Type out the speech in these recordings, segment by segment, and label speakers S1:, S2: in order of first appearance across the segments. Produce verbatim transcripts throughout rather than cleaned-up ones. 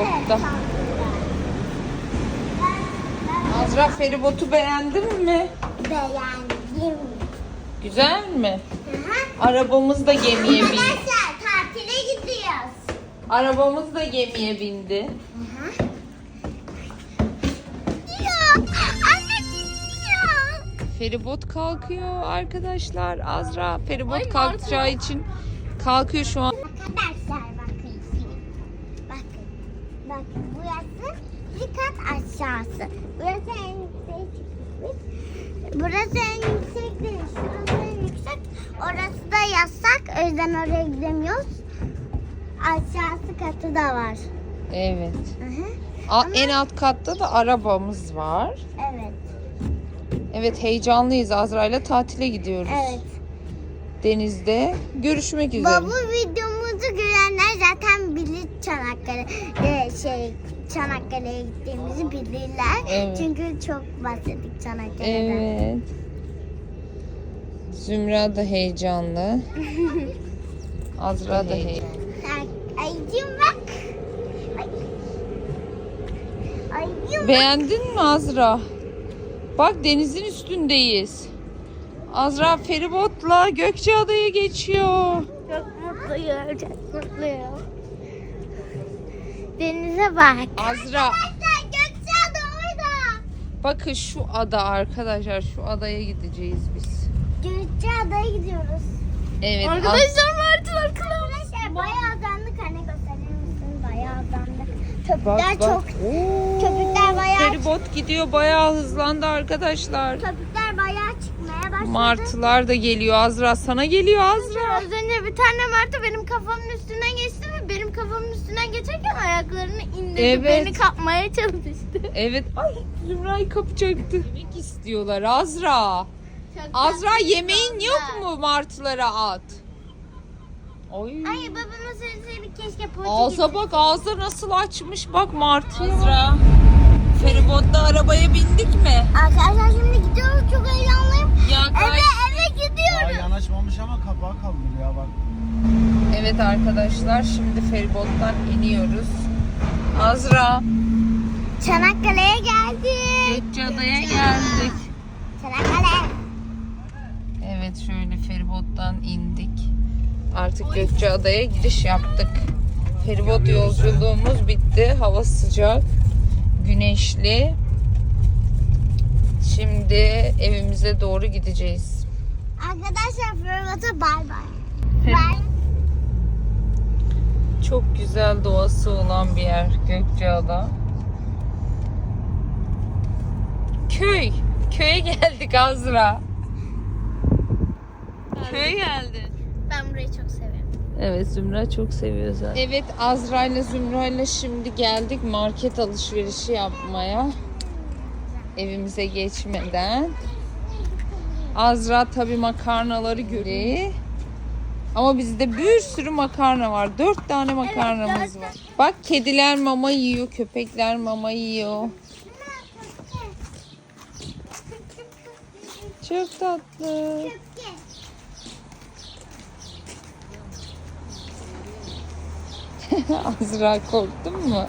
S1: feribotta. Azra, feribotu beğendin mi?
S2: Beğendim.
S1: Güzel mi?
S2: Hı hı.
S1: Arabamız da gemiye bindi.
S2: Arkadaşlar tatile gidiyoruz.
S1: Arabamız da gemiye bindi.
S2: Hı hı. Ya anne gidiyor.
S1: Feribot kalkıyor arkadaşlar. Azra feribot
S3: Ay,
S1: kalkacağı
S3: Martı.
S1: için kalkıyor şu an.
S2: Arkadaşlar bakın şimdi. Bakın. Bakın burası bir kat aşağısı. Burası en yüksek çıkmış. Burası en yüksek değil. Şurası en yüksek. Orası da yasak. O yüzden oraya gidemiyoruz. Aşağısı katı da var.
S1: Evet.
S2: Hı hı.
S1: A- En alt katta da arabamız var.
S2: Evet.
S1: Evet, heyecanlıyız. Azra ile tatile gidiyoruz.
S2: Evet.
S1: Denizde görüşmek üzere.
S2: Baba videomuzu görenler zaten bilir Çanakkale e, şey Çanakkale'ye gittiğimizi bilirler.
S1: Evet.
S2: Çünkü çok bahsettik Çanakkale'den.
S1: Evet. Zümra da heyecanlı. Azra da heyecanlı.
S2: Ay, ayıcım bak. Ay. Ayıcım bak.
S1: Beğendin mi Azra? Bak, denizin üstündeyiz. Azra feribotla Gökçeada'ya geçiyor.
S2: Çok mutluyum. Çok mutluyum. Denize bak.
S1: Azra,
S2: Arkadaşlar Gökçeada orada.
S1: bakın şu ada arkadaşlar. Şu adaya gideceğiz biz.
S2: Gökçeada'ya gidiyoruz.
S1: Evet. Az-
S3: Arkadaşlar martılar kılavuz.
S2: Arkadaşlar bayağı azandık. Anne gösterir misin? Bayağı azandık.
S1: Bak
S2: Köpükler
S1: bak.
S2: çok.
S1: Oo,
S2: Köpükler bayağı-
S1: Feribot gidiyor, bayağı hızlandı arkadaşlar.
S2: Köpükler bayağı çıkmaya başladı.
S1: Martılar da geliyor Azra. Sana geliyor Azra.
S3: Az önce bir tane martı benim kafamın üstünden geçti ve benim kafamın üstünden geçerken ayaklarını indirdi.
S1: Evet.
S3: Beni kapmaya çalıştı.
S1: Evet. Ay, Zümra'yı kapacaktı. Yemek istiyorlar Azra.
S3: Çok
S1: Azra,
S3: tatlı
S1: yemeğin
S3: oldu.
S1: yok mu martılara at? Oy.
S2: Ay babama söyleseydik keşke poğaça
S1: Ağza bak, ağza nasıl açmış, bak martı. Azra, feribotla arabaya bindik mi?
S2: Arkadaşlar şimdi gidiyoruz. Çok heyecanlıyım.
S1: Ya
S2: Eve eve gidiyoruz.
S4: Daha yanaşmamış ama kapağı kaldır ya bak.
S1: Evet arkadaşlar, şimdi feribottan iniyoruz. Azra,
S2: Çanakkale'ye geldik.
S1: Gökçeada'ya geldik.
S2: Çanakkale.
S1: Evet, şöyle feribottan indik. Artık Gökçeada'ya giriş yaptık. Feribot yolculuğumuz bitti. Hava sıcak, güneşli. Şimdi evimize doğru gideceğiz.
S2: Arkadaşlar Feribot'a bay bay. Bay.
S1: Çok güzel doğası olan bir yer Gökçeada. Köy. Köye geldik Azra. Köye geldik.
S3: Ben burayı çok seviyorum.
S1: Evet, Zümra çok seviyor zaten. Evet, Azra ile Zümra ile şimdi geldik market alışverişi yapmaya. Evimize geçmeden. Azra tabii makarnaları görüyor. Ama bizde bir sürü makarna var. Dört tane makarnamız var. Bak, kediler mama yiyor, köpekler mama yiyor. Çok tatlı. Azra, korktun mu?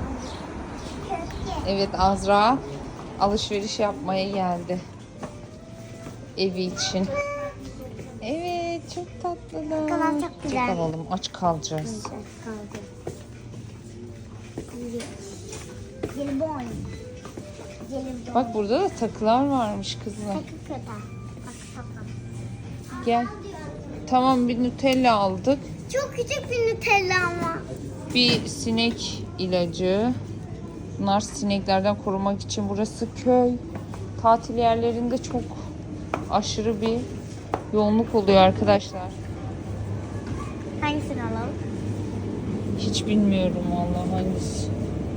S1: Evet, Azra alışveriş yapmaya geldi. Evi için. Evet, çok tatlılar.
S2: Bakalım, çok güzel.
S1: Çok alalım, aç kalacağız.
S2: Kaldı. Jelibon. Jelibon.
S1: Bak, burada da takılar varmış kızlar.
S2: Sakın kötü. Bak sakın.
S1: Gel. Tamam, bir Nutella aldık.
S2: Çok küçük bir Nutella ama.
S1: Bir sinek ilacı. Bunlar sineklerden korumak için. Burası köy. Tatil yerlerinde çok aşırı bir yoğunluk oluyor arkadaşlar.
S2: Hangisini alalım?
S1: Hiç bilmiyorum vallahi hangisi.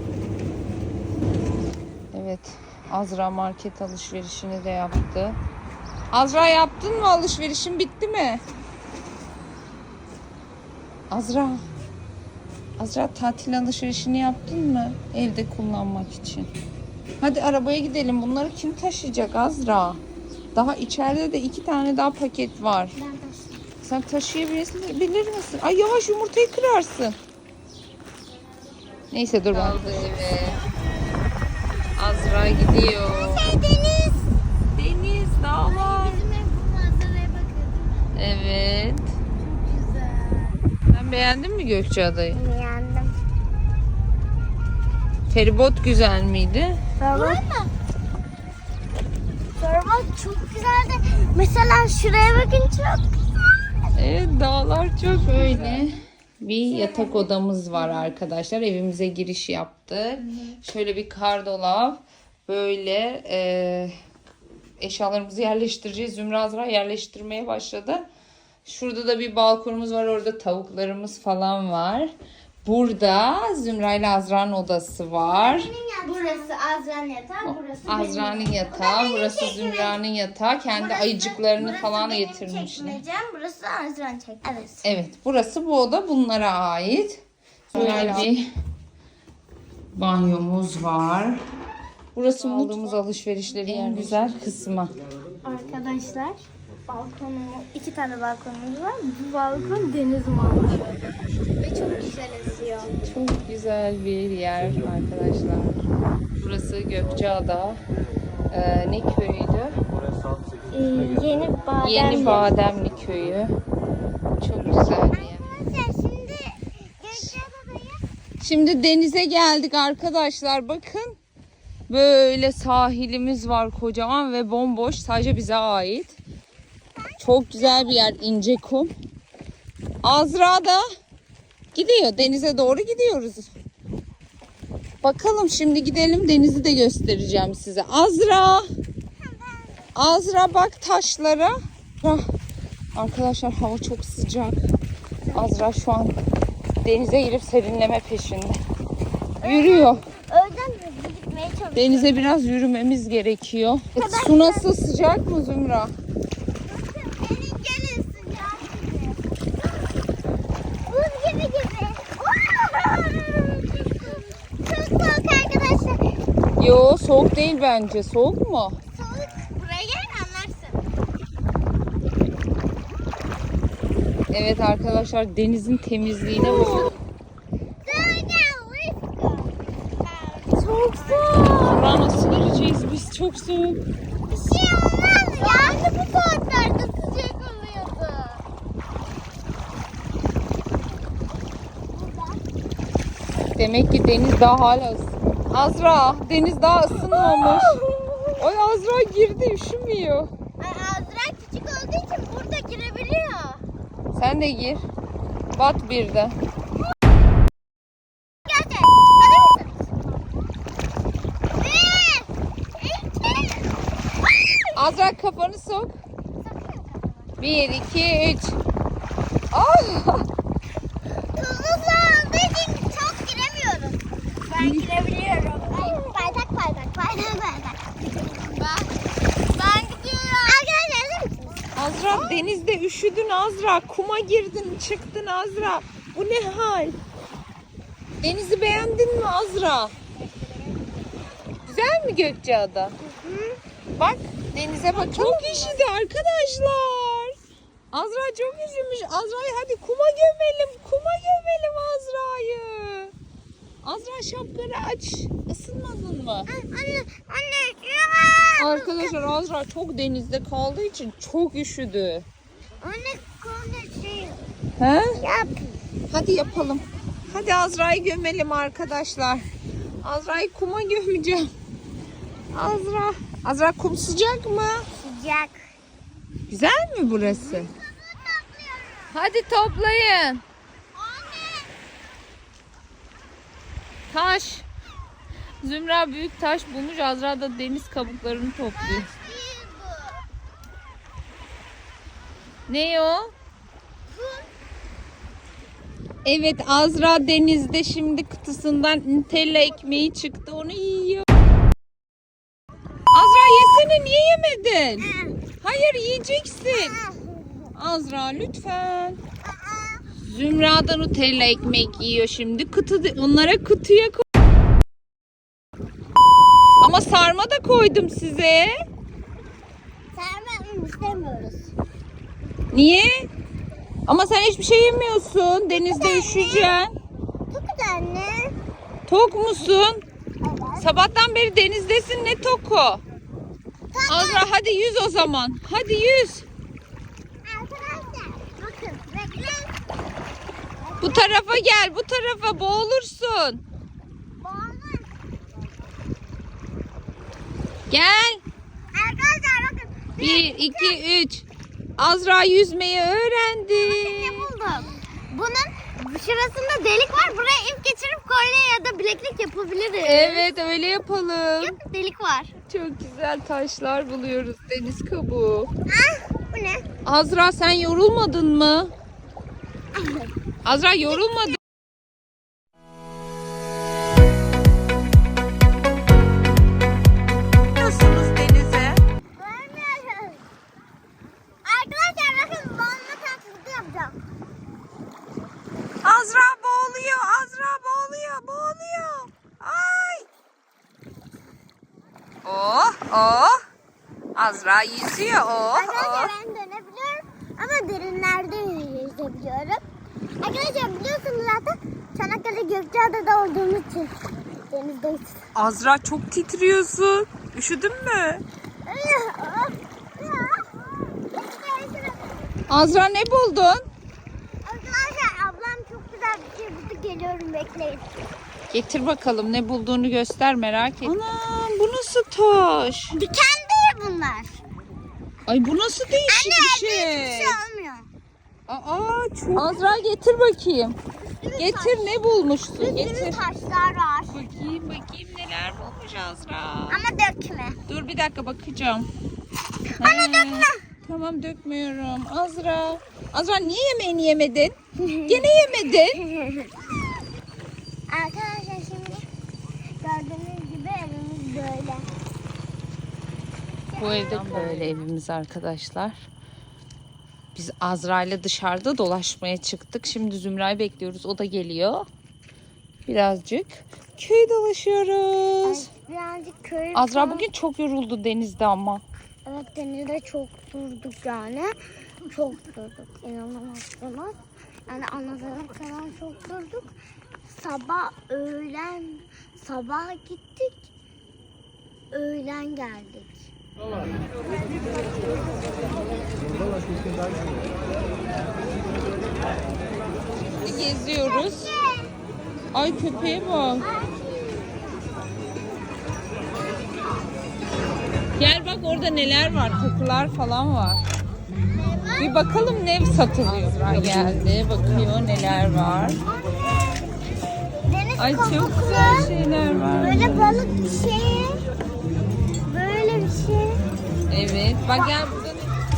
S1: Evet. Azra market alışverişini de yaptı. Azra, yaptın mı alışverişin, bitti mi? Azra. Azra, tatil alışverişini yaptın mı? Evde kullanmak için. Hadi arabaya gidelim. Bunları kim taşıyacak Azra? Daha içeride de iki tane daha paket var.
S2: Ben taşıyayım.
S1: Sen taşıyabilir misin? Ay, yavaş, yumurtayı kırarsın. Neyse dur bak. Evet. Azra gidiyor.
S2: Şey deniz.
S1: Deniz, dağlar.
S3: Bizim ev bu manzaraya bakın.
S1: Evet.
S3: Çok güzel.
S1: Sen beğendin mi Gökçeada'yı?
S2: Yandım.
S1: Feribot güzel miydi?
S2: Feribot mu? Feribot çok güzeldi. Mesela şuraya bakın çok güzel.
S1: Evet, dağlar çok şöyle. Bir yatak odamız var arkadaşlar. Evimize giriş yaptık. Şöyle bir kardolap. Böyle e, eşyalarımızı yerleştireceğiz. Zümra Azra yerleştirmeye başladı. Şurada da bir balkonumuz var. Orada tavuklarımız falan var. Burada Zümra ile Azra'nın odası var.
S3: Burası Azra'nın yatağı, burası benim.
S1: Azra'nın yatağı, burası Zümra'nın yatağı. Kendi ayıcıklarını
S3: burası
S1: falan
S3: benim
S1: getirmişler.
S3: çekmecem, burası Azra'nın çekmecesi. Evet.
S1: Evet, burası bu oda bunlara ait. Böyle bir banyomuz var. Burası aldığımız alışverişlerin en güzel kısmı.
S3: Arkadaşlar, balkonumuz, iki tane balkonumuz var. Bu balkon deniz manzaralı. Ve çok güzel esiyor.
S1: Çok güzel bir yer arkadaşlar. Burası Gökçeada. Ee, ne köyüydü?
S3: Ee, yeni badem.
S1: Yeni Bademli köyü. Çok güzel bir yer.
S2: Arkadaşlar şimdi Gökçeada'dayız.
S1: Şimdi denize geldik arkadaşlar. Bakın. Böyle sahilimiz var kocaman ve bomboş. Sadece bize ait. Çok güzel bir yer. İnce kum. Azra da gidiyor. Denize doğru gidiyoruz. Bakalım şimdi gidelim. Denizi de göstereceğim size. Azra. Azra bak taşlara. Ah, arkadaşlar hava çok sıcak. Azra şu an denize girip serinleme peşinde. Yürüyor.
S2: Öğleden hızlı gitmeye çalışıyorum.
S1: Denize biraz yürümemiz gerekiyor. E, su nasıl, sıcak mı Zümra?
S2: Gelin gelin sıcak gibi. Buz gibi gibi. Çok soğuk arkadaşlar.
S1: Yo, soğuk değil bence. Soğuk mu?
S2: Soğuk. Buraya gel anlarsın.
S1: Evet arkadaşlar, denizin temizliğine bakın.
S2: Çok soğuk.
S1: Zümra nasıl gireceğiz biz? Çok soğuk.
S2: Bir şey olmaz ya. Anne bu saatlerde sıcak oluyordu.
S1: Demek ki deniz daha hala ısın. Azra, deniz daha ısınmamış. Oy Azra girdi, üşümüyor.
S2: Ay, Azra küçük olduğu için burada girebiliyor.
S1: Sen de gir. Bat bir de.
S2: Geldi. Hadi mısınız? Bir, iki.
S1: Azra kafanı sok. Bir, iki, üç. Ah!
S2: Tuzlu su olduğu için çok giremiyorum. Ben girebiliyorum. Ay, bardak bardak bardak bardak. Ben, ben gidiyorum. Arkadaşlar hazır mısınız?
S1: Azra denizde üşüdün Azra. Kuma girdin çıktın Azra. Bu ne hal? Denizi beğendin mi Azra? Güzel mi Gökçeada? Bak denize bak. Çok üşüdü arkadaşlar. Azra çok üşümüş. Azra'yı hadi kuma gömelim. Kuma gömelim Azra'yı. Azra şapkanı aç. Isınmadın mı?
S2: Anne, anne. Ya.
S1: Arkadaşlar Azra çok denizde kaldığı için çok üşüdü.
S2: Anne konuşayım.
S1: He?
S2: Yap.
S1: Hadi yapalım. Hadi Azra'yı gömelim arkadaşlar. Azra'yı kuma gömeceğim. Azra. Azra kum sıcak mı?
S2: Sıcak.
S1: Güzel mi burası? Hadi toplayın. Taş. Zümra büyük taş bulmuş. Azra da deniz kabuklarını topluyor. Ne o? Evet Azra denizde şimdi kutusundan Nutella ekmeği çıktı. Onu yiyor. Azra yesene, niye yemedin? Hayır yiyeceksin. Azra lütfen. Zümra da Nutella ekmek yiyor şimdi. Kutu, onlara kutuya koy. Ama sarma da koydum size.
S2: Sarma istemiyoruz.
S1: Niye? Ama sen hiçbir şey yemiyorsun. Denizde üşüyeceksin.
S2: Çok güzel anne.
S1: Tok musun? Sabahtan beri denizdesin, ne toku? Azra hadi yüz o zaman. Hadi yüz.
S2: Arkadaşlar bakın bekleyin.
S1: Bu tarafa gel, bu tarafa, boğulursun.
S2: Boğulur.
S1: Gel.
S2: Arkadaşlar bakın.
S1: Bir, iki, üç. Azra yüzmeyi öğrendi.
S2: Ne buldum? Bunun şurasında delik var. Buraya ip geçirip kolye ya da bileklik yapabiliriz.
S1: Evet, öyle yapalım.
S2: Bak, delik var.
S1: Çok güzel taşlar buluyoruz, deniz kabuğu.
S2: Ah, bu ne?
S1: Azra sen yorulmadın mı? Azra yorulmadın. Nasılsınız denize?
S2: Görmüyoruz. Arkadaşlar bakın boğulma taklidi yapacağım.
S1: Azra boğuluyor, Azra boğuluyor, boğuluyor. Ay. Oh, oh. Azra yüzüyor, oh,
S2: Arkadaşlar
S1: oh.
S2: ben dönebiliyorum ama derinlerde yüzebiliyorum. Arkadaşlar biliyorsunuz zaten Çanakkale Gökçeada'da olduğumuz için denizdeyiz.
S1: Azra çok titriyorsun. Üşüdün mü? Azra ne buldun?
S2: Arkadaşlar ablam çok güzel bir şey buldu, geliyorum bekleyin.
S1: Getir bakalım, ne bulduğunu göster, merak ettim. Anam, bu nasıl taş?
S2: Diken değil bunlar.
S1: Ay bu nasıl değişik
S2: Anne
S1: bir
S2: hiçbir
S1: şey.
S2: şey olmuyor.
S1: Aa çok. Azra getir bakayım.
S2: Üstümüz
S1: Getir, ne bulmuşsun?
S2: taş.
S1: Getir.
S2: Üstümüz taşlar var.
S1: Bakayım bakayım neler bulmuş Azra.
S2: Ama dökme.
S1: Dur bir dakika bakacağım.
S2: Anne
S1: He,
S2: dökme.
S1: Tamam dökmüyorum. Azra. Azra niye yemeğini yemedin? Gene yemedin.
S2: Arkadaşlar şimdi gördüğünüz gibi evimiz böyle.
S1: Bu evde böyle evimiz arkadaşlar. Biz Azra ile dışarıda dolaşmaya çıktık. Şimdi Zümra'yı bekliyoruz. O da geliyor. Birazcık köy dolaşıyoruz.
S2: Birazcık köy.
S1: Azra bugün çok yoruldu denizde ama.
S2: Evet denizde çok durduk yani. Çok durduk. İnanamazsınız. Yani anladığım kadar çok durduk. Sabah öğlen sabah gittik. Öğlen geldik.
S1: Geziyoruz. Ay köpeğe bak. Gel bak orada neler var. Takılar falan var. Bir bakalım ne satılıyor. Azra geldi. Bakıyor neler var.
S2: Deniz
S1: Ay çok
S2: kabuklu.
S1: güzel şeyler var.
S2: Böyle balık bir şey. Böyle bir şey.
S1: Evet. Bak gel burada.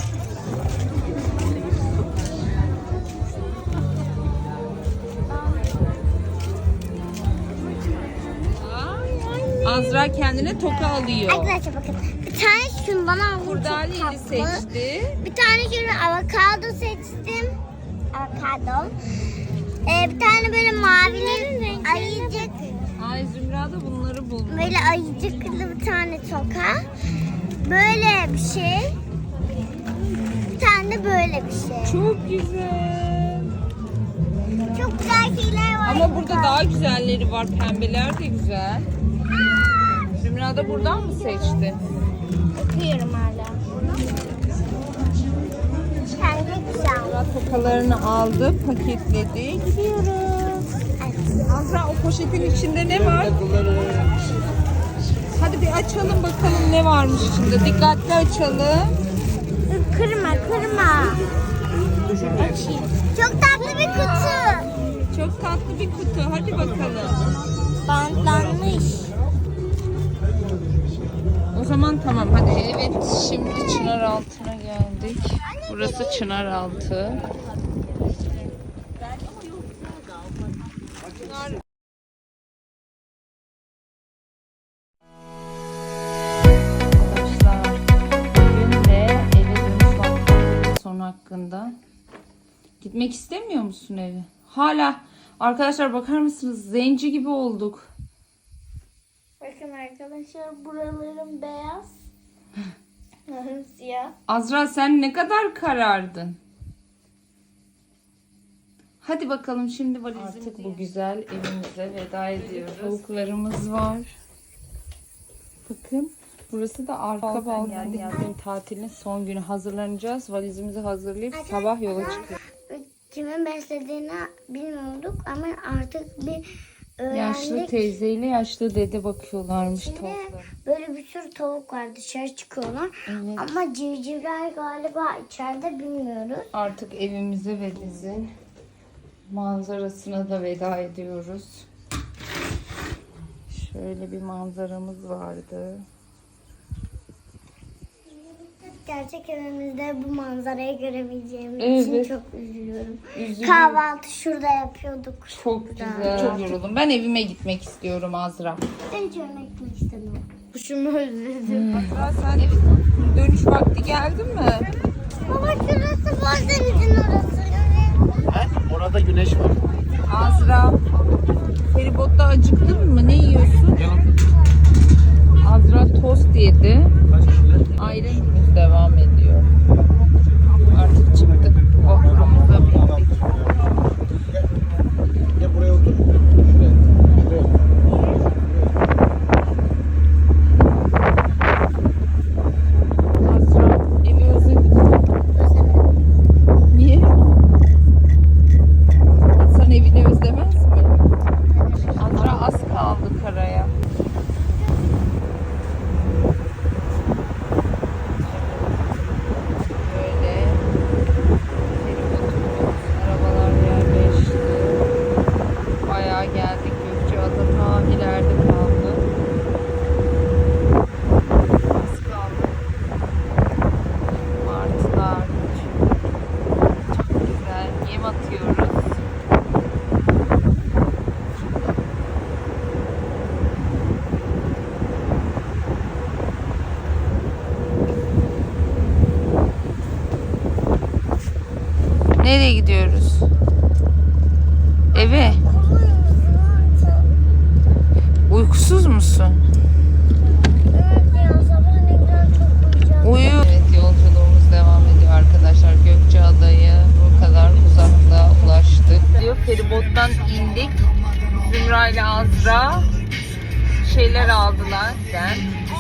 S1: Azra kendine toka alıyor.
S2: Arkadaşlar bakın. Bir tane şundan aldım.
S1: Kurdaleli
S2: çok tatlı.
S1: seçti.
S2: Bir tane şöyle avokado seçtim. Avokado. Ee, bir tane böyle mavili ayıcık.
S1: Ay Zümra da bunları bulmuş.
S2: Böyle ayıcıklı bir tane toka. Böyle bir şey. Bir tane de böyle bir şey.
S1: Çok güzel.
S2: Çok güzel şeyler var.
S1: Ama burada daha güzelleri var. Pembeler de güzel. Zümra da buradan mı seçti?
S2: Bakıyorum hala. Kendi güzel.
S1: Zümra tokalarını aldı, paketledi. Gidiyoruz. Azra o poşetin içinde ne var? Hadi bir açalım bakalım ne varmış içinde. Dikkatli açalım.
S2: Dur, kırma kırma. Açayım. Çok tatlı bir kutu.
S1: Çok tatlı bir kutu. Hadi bakalım.
S2: Bantlanmış.
S1: O zaman tamam hadi. Evet şimdi Çınaraltı'na geldik. Burası Çınaraltı. Arkadaşlar bugün de eve dönüş vakti son hakkında. Gitmek istemiyor musun eve? Hala. Arkadaşlar bakar mısınız? Zenci gibi olduk.
S3: Bakın arkadaşlar buralarım beyaz. Siyah.
S1: Azra sen ne kadar karardın? Hadi bakalım şimdi valizimizi. Artık bu güzel evimize veda ediyoruz. Tavuklarımız var. Bakın. Burası da arka balkon. Geldik. Tatilin son günü hazırlanacağız. Valizimizi hazırlayıp sabah yola çıkıyoruz.
S2: Kimin beslediğini bilmiyorduk ama artık bir öğrendik.
S1: Yaşlı teyzeyle yaşlı dede bakıyorlarmış
S2: Şimdi
S1: tavuklara.
S2: böyle bir sürü tavuk var, dışarı çıkıyorlar.
S1: Evet.
S2: Ama civcivler galiba içeride, bilmiyoruz.
S1: Artık evimize ve dizin manzarasına da veda ediyoruz. Şöyle bir manzaramız vardı.
S2: Gerçek evimizde bu manzarayı göremeyeceğimiz
S1: Evet.
S2: için çok üzülüyorum.
S1: Üzülüyorum.
S2: Kahvaltı şurada yapıyorduk.
S1: Çok güzel. Çok yoruldum. Ben evime gitmek istiyorum Azra.
S2: Ben hiç öyle gitmek istemiyorum.
S3: Kuşumu özledim.
S1: Azra sen dönüş vakti geldi mi?
S2: Baba şurası Bozdeniz'in orası.
S4: He? Orada güneş var.
S1: Azra feribotta acıktın mı? Ne yiyorsun?
S4: Yanım.
S1: Azra tost yedi.
S4: Kaç kişiler?
S1: Ayrımımız devam ediyor. Artık çıktık. Vapurumuza bindik.
S4: Gel. Gel buraya otur. Şuraya. Şuraya otur.
S1: Azra evi özledin mi? Niye? İnsan evini özlemez mi? Azra az kaldı karaya. Böyle feribotumuz, arabalar yerleşti. Bayağı geldik. Gökçeada ta ileride kaldı. Az kaldı. Martılar. Çok güzel. Yem atıyoruz. Nereye gidiyoruz? Eve. Uykusuz musun?
S2: Evet ya, sabah ne güzel çok uyuyacağım.
S1: Uyu. Evet, yolculuğumuz devam ediyor arkadaşlar. Gökçeada'ya bu kadar uzakta ulaştık. Diyor feribottan indik. Zümra ile Azra şeyler aldılar. Ben.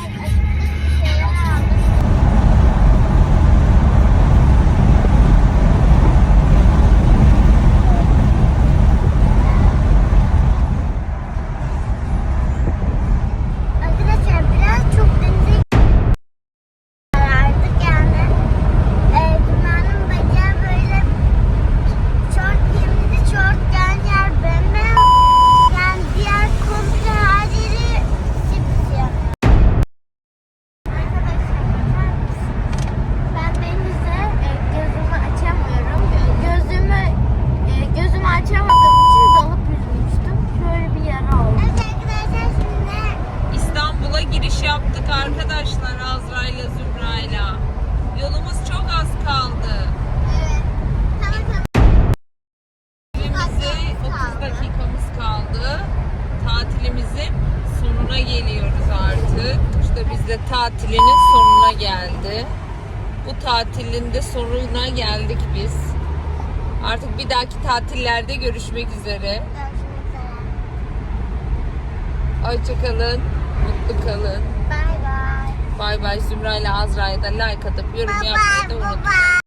S2: Arkadaşlar biraz çok denize karardık yani. E, Cuma'nın bacağı böyle şort giyimli, şort giyen yer bembeyaz. Yani diğer komple her yeri sipsiyah. Arkadaşlar bakar mısınız?
S3: Ben denize e, gözümü açamıyorum. Gözümü e, gözümü açamadığım için dalıp yüzmüştüm. Şöyle bir yara oldu.
S2: Evet arkadaşlar, şimdi
S1: İstanbul'a giriş yaptık arkadaşlar Azra ile Zümra ile. Yolumuz çok az kaldı.
S2: evet. Tamam tamam.
S1: Evimize otuz dakikamız kaldı. Tatilimizin sonuna geliyoruz artık. İşte biz de tatilinin sonuna geldi. Bu tatilin de sonuna geldik biz. Artık bir dahaki tatillerde görüşmek üzere. Hoşça kalın, mutlu kalın.
S2: Bye bye.
S1: Bay bay. Zümra ile Azra'ya da like atıp yorum
S2: Bye
S1: yapmayı da
S2: bye.
S1: unutmayın.
S2: Bye bye.